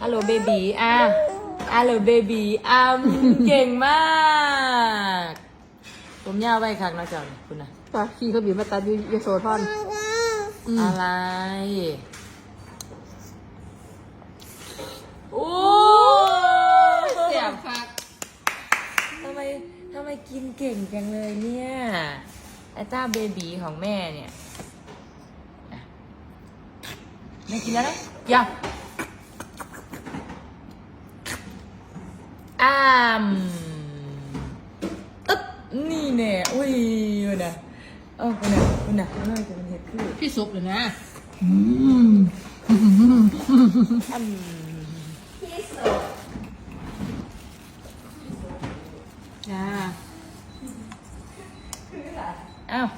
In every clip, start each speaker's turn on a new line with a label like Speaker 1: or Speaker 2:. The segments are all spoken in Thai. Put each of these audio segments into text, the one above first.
Speaker 1: ฮัลโหลเบบีฮัลโหลเบบีเก่งมากผมยาวไว้คักนะจ๊ะคุณนะ
Speaker 2: ปะขี่เขาบีบมาตัดอยู่ยโสธร
Speaker 1: อะไรโอ้
Speaker 2: เสียบคัก
Speaker 1: ทำไมกินเก่งจังเลยเนี่ยไอ้เจ้าเบบีของแม่เนี่ยแม่กินแล้วนะยังอึ๊บนี่เนี่ยอุ้ยนะคุณน่ะน้อยจะเป็นเห็ดคือ
Speaker 2: พี่ซุปเลยนะจ้า
Speaker 1: อ้าว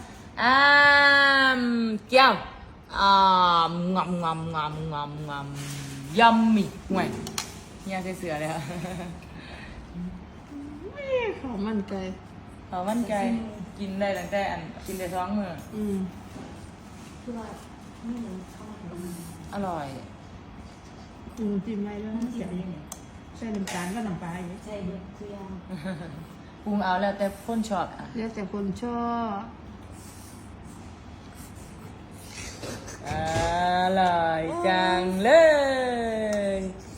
Speaker 1: เจ้างำยัมมี่ห่วยเนี่ยใส่เสือเลยค่ะ
Speaker 2: ข้าวมันไก่
Speaker 1: เขามั่นใจกินได้ตั้งแต่กินได้ท้องมืออร่อย
Speaker 2: จิ้มไม่ด้วยเสียบใส่น้ำตาลก็น้ำปลาอย่างนี้ใส่เยอะเพื่อ
Speaker 1: ปรุงเอาแล้วแต่คนชอบอ่ะ
Speaker 2: แล้วแต่คนชอบ
Speaker 1: อร่อยจังเลย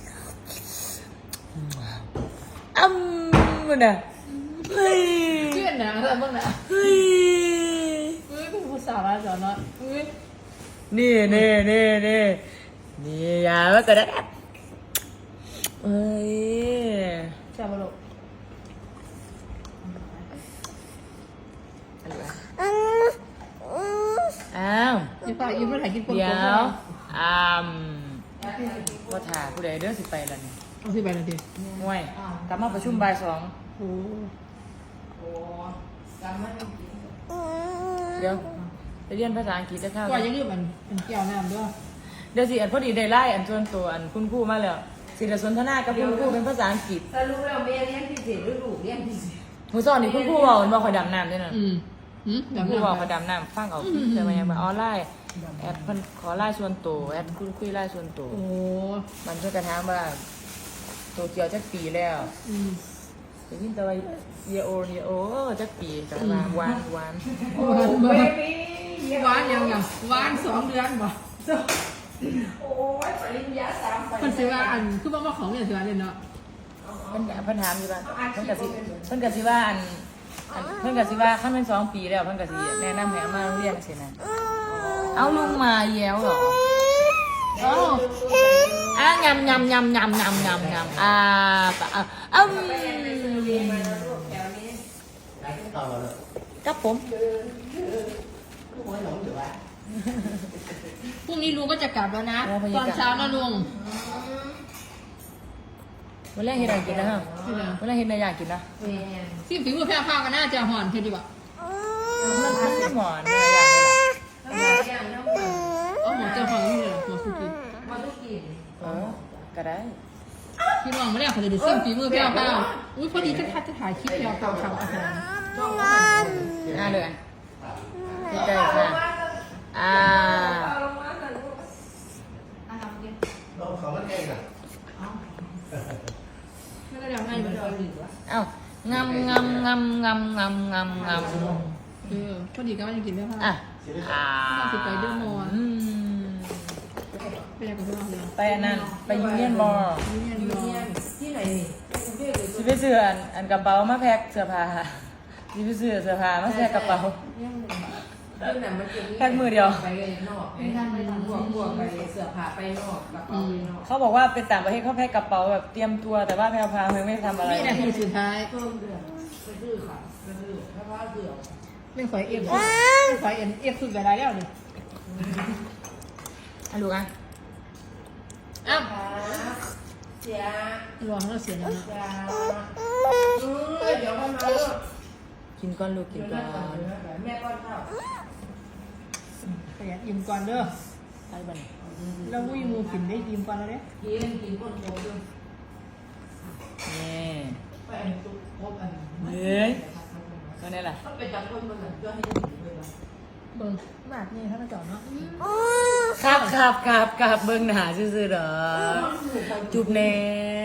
Speaker 1: มันอ่ะเฮ้ย
Speaker 2: เพื่อนนะอะไรบ้างนะ
Speaker 1: เฮ้ย
Speaker 2: เป็นภาษาอะไรจอเนาะ
Speaker 1: นี่ยาว่าก็ได้เอ้ย
Speaker 2: ชาบะโล
Speaker 1: อ้าว
Speaker 2: ยี่ป้ายิ้มแล้วถ่ายกินปน
Speaker 1: เดี๋
Speaker 2: ๆ
Speaker 1: ยวก็ถ่าผู้ใดเด้อสิไปแล้วนี่
Speaker 2: เอาสิไปเลยดิ
Speaker 1: ห่วยกลับมาประชุมบ่ายสอง
Speaker 2: โอ้
Speaker 1: เดี๋ยวไปเรียนภาษาอังกฤษจะเข้า
Speaker 2: ว่าอย่าลืมมันเกี่ยวน้ำด้วย
Speaker 1: เดี๋ยวสิพอดีได้ไล่ส่วนตัวคุณครูมาแล้วสิจะสนทนากับคุณครูเป็นภาษาอังกฤษ
Speaker 3: สรุปแล้วแม่เลี้ยงพิเศษหรือลูกเลี้ยงพิเศษ
Speaker 1: มือสอนนี่คุณครูบอกมันบอกคอยดำน้ำด้วยนะ
Speaker 2: เดี๋ยว
Speaker 1: ครู
Speaker 2: น้ำ
Speaker 1: บอกคอยดำน้ำฟังเอาเจอมายังมาออนไลน์แอดเพิ่นขอไล่ส่วนตัวแอดคุยไล่ส่วนตัว
Speaker 2: โอ้
Speaker 1: มันช่วยกระทำว่าโตเกียวจักปีแล้วได้ยินแต่ว่าเยโอจักปีแต่ว่าหวาน
Speaker 2: หวานยังหวาน2 เดือนบ่
Speaker 3: โอ้ยปริญญา3
Speaker 2: คนสิว่าคือว่าของเนี่ยสิว่าเนี่ยเนาะ
Speaker 1: เพิ่นถามอยู่ว่าเพิ่นกะสิว่าเพิ่นกะสิว่าขั้นเป็น2 ปีแล้วเพิ่นกะสิแนะนำให้เอามาโรงเรียนสินะเอาลุงมาแย้วเหรอ
Speaker 2: โอ้
Speaker 1: งำครับผม
Speaker 2: พรุ่งนี้ลุงก็จะกลับแล้วนะตอนเช้านะลุง
Speaker 1: วันแรกเห็นอะไรกินนะฮะวันแรกเห็นอะไรอยากกินนะ
Speaker 2: ซิมฝีมือแพ้ข้าวกันน่าจะห่อนเท่ดีกว่า
Speaker 1: มันไม่หมอนอะไรอยากกิน
Speaker 2: เอาหมอจะห่อนนี่เลยหมอสุกี้
Speaker 3: มาทุกกิน
Speaker 1: ก็ได้
Speaker 2: พี่น้องไม่ได้เขาเลยซิมฝีมือแพ้ข้าวอุ้ยพอดีจะถ่ายคลิปแพ้ข้าวทำอาหาร
Speaker 1: เลยดีใจค่ะ
Speaker 4: เขามันเองอ่ะ
Speaker 2: ไม่ได้ยังไงแบบ
Speaker 1: เอ้างำ
Speaker 2: พอดีก็ว่าจะกินแพ้ข้าว สิไปเดอร์มอลล์ไปยังกับพี่น้องเลย
Speaker 1: ไปอันนั้นไปยูเนียนมอลล์
Speaker 2: นี่เนี่ยนอน
Speaker 3: ที่ไหนนี่
Speaker 1: สิไปซื้ออันกระเป๋ามาแพ็คเสื้อผ้าสิไปซื้อเสื้อผ้ามาแพ็คกระเป๋า
Speaker 3: ที่ไหนมันจะ
Speaker 1: แพ็คมือเดียว
Speaker 3: ไปนอกไม่ทำไปทำบวกไปเสื้อผ้าไปนอกกระเป๋าไปนอก
Speaker 1: เขาบอกว่าเป็นต่างประเทศเขาแพ็คกระเป๋าแบบเตรียมตัวแต่ว่าแพรพาไม่ทำอะไร
Speaker 2: นี่นาทีสุดท้าย
Speaker 3: เพิ่มเดือนไปซื้อค่ะไปซื้อเพราะว่าเดือด
Speaker 2: ไม่ขอยเอฟสุดไปได้แล้วนี่
Speaker 1: ลูกอ่ะ
Speaker 2: อ้าว
Speaker 3: เสีย
Speaker 2: รอเขาเสียแล้วนะ
Speaker 3: เดี๋ยวมันมาลูก
Speaker 1: กินก้อนลูกกินก้อน
Speaker 3: แม่ก้อนข้าว
Speaker 2: ประหยัดอิ่มก่อนเด้อ
Speaker 1: ไปบ้าน
Speaker 2: แล้ววุ้ยมูกินได้อิ่มก่อนแล้วเนี่ย
Speaker 3: กินก้นโตด้วย
Speaker 1: นี่
Speaker 3: ไปอันตุ๊กพบอัน
Speaker 1: เฮ้ยก็นี่แหละ
Speaker 3: ต้องไปจับคนมันเหมือนเพื่อให้ถึงเลย
Speaker 2: เบิ่งบาทนี่ถ้ามาจอดเนาะ
Speaker 1: ครับเบิ่งหน้าซื่อๆดอกจุบแน่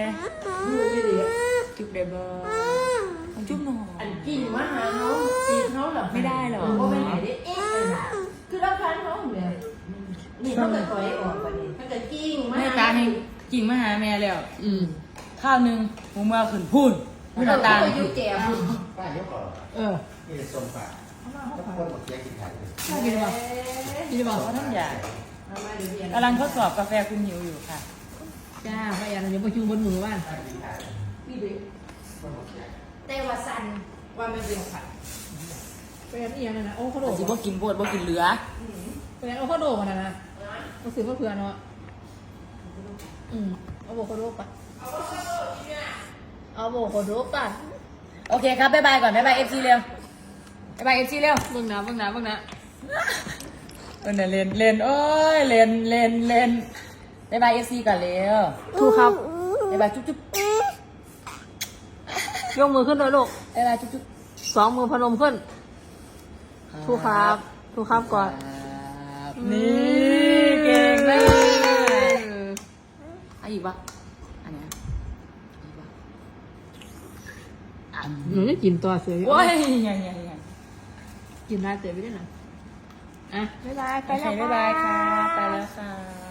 Speaker 1: จุบได้บ่จุบหน่อย
Speaker 3: อันกิ่งมาหาเขาตีเขาหรอ
Speaker 1: ไม่ได้หรอ
Speaker 3: โอ้ไม่ไหนได้เอ๊ะคือรับพันเขาเลยนี่เขาเกิดถอยออกไปนี่ถ้าเกิดกิ่งมา
Speaker 1: แม่ตาให้กิ่งมาหาแม่แล้ว
Speaker 2: อืม
Speaker 1: ข้าวหนึงหมูเมื่อขึ้นพูนไม่ตา
Speaker 3: ไปอยู่แก่พุ่น
Speaker 4: ป้ายกก่อน
Speaker 2: เออ
Speaker 4: นี่จะส้มปากถ้าคนหมดแยกกินไข่เลย
Speaker 2: น่ากินป่ะกินป่ะ
Speaker 1: เพราะท่านอยาก
Speaker 3: เอามาเดี๋ยวเรียน
Speaker 1: กำลังทดสอบกาแฟคุณหิวอยู่ค่ะ
Speaker 2: จ้าพยานเดี๋ยวประชุมบนมือบ้าน
Speaker 3: พี่เด็กแต่ว่าสันว่าไม่เป็นผัด
Speaker 2: ไปอันนี้ยังไงนะโอ้ข้าวโด
Speaker 1: แต่
Speaker 2: ด
Speaker 1: สิบ่กินโพดบ่กินเหลือ
Speaker 2: ไปอันโอ้ข้าวโดดกันนะก็ซื้อก็เผื่อเนาะเอาโบโคโดก่อนเอาโบโคโดก่อน
Speaker 1: โอเคครับบ๊ายบายก่อนบ๊ายบาย FC เร็วบ๊ายบาย FC เร็ว
Speaker 2: เบิ่งนะ
Speaker 1: เออเนี่ยเล่นโอ้ยเล่นบ๊ายบาย FC ก่อนเร็ว
Speaker 2: ถูกครับ
Speaker 1: บ๊ายบายจุ๊บ
Speaker 2: ยกมือขึ้นเลยลูก
Speaker 1: บ๊ายบายจุ๊บ
Speaker 2: สองมือพนมขึ้นถูกครับถูกครับก่อน
Speaker 1: นี่เก่งมากอ่ะอีกปะอันเนี้ยอีกปะ
Speaker 2: หนูจะกินตัวเสือ
Speaker 1: โอ้ยยัง
Speaker 2: กินได้เสือไปได้หน่อยอ่ะบ๊ายบาย
Speaker 1: ไปแล้วบ๊ายบายค่ะไปแล้วค่ะ